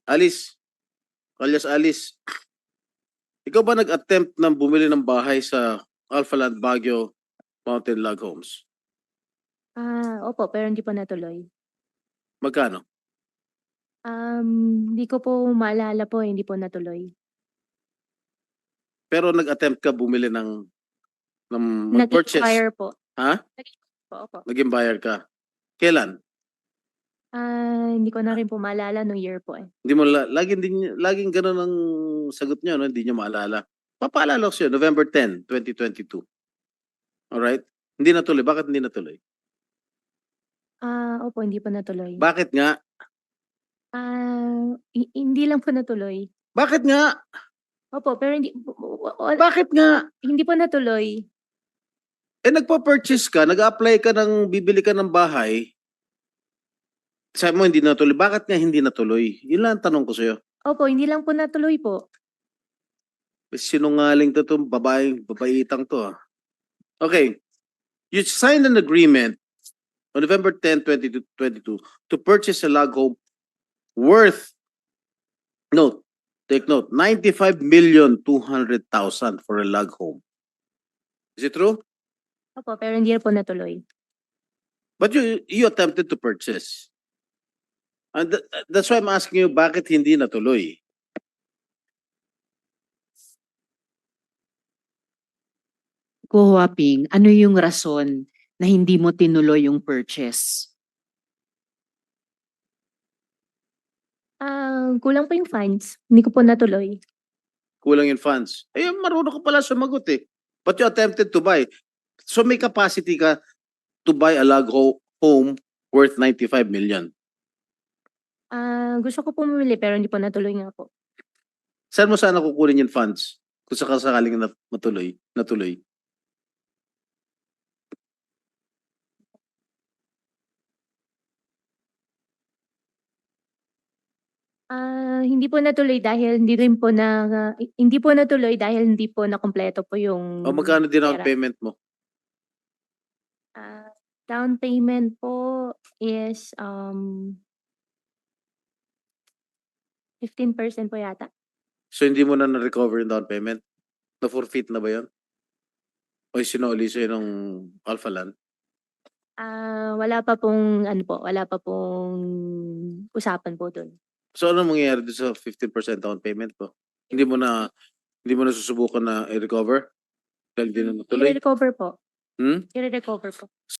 Alice, alias Alice, ikaw ba nag-attempt na bumili ng bahay sa Alphaland Baguio Mountain Log Homes? Opo, pero hindi po natuloy. Magkano? Hindi ko po maalala po, hindi po natuloy. Pero nag-attempt ka bumili ng mag-purchase. Nag-expire po. Ha? Po, opo. Naging buyer ka. Kailan? Hindi ko na rin po maalala nung year po eh. Hindi mo laging ganun ang sagot niyo, no? Hindi niyo maalala. Papaalala ko sa'yo, November 10, 2022. Alright? Hindi natuloy. Bakit hindi natuloy? Opo, hindi po natuloy. Bakit nga? Hindi lang po natuloy. Bakit nga? Opo, pero Bakit nga? hindi po natuloy. Eh, nagpa-purchase ka, nag-apply ka ng bibili ka ng bahay. Sabi mo hindi natuloy. Bakit nga hindi natuloy? Yun lang ang tanong ko sa'yo. Opo, hindi lang po natuloy po. Sinungaling to itong babaitang to. Okay. You signed an agreement on November 10, 2022 to purchase a log home worth, take note, 95,200,000 for a log home. Is it true? Opo, pero hindi po natuloy. But you attempted to purchase. And that's why I'm asking you, bakit hindi natuloy? Ko Huaping, ano yung rason na hindi mo tinuloy yung purchase? Kulang po yung funds. Hindi ko po natuloy. Kulang yung funds. Eh, marunong ka pala sumagot eh. But you attempted to buy. So may capacity ka to buy a log home worth 95 million. Gusto ko po mamili pero hindi po natuloy nga po. Saan mo sana kukunin yung funds? Kung sakaling natuloy. Hindi po natuloy dahil hindi po natuloy dahil hindi po nakumpleto po yung O magkano din ang pera. payment mo? Down payment po is 15% po yata. So hindi mo na na-recover yung down payment? Na-forfeit na ba yun? O sinuli sa'yo ng Alpha Land? Wala pa pong usapan po dun. So ano mangyayari doon sa 15% down payment mo? Hindi mo na susubukan na i-recover? Dahil hindi na natuloy? I-recover po. Hmm? I-recover po.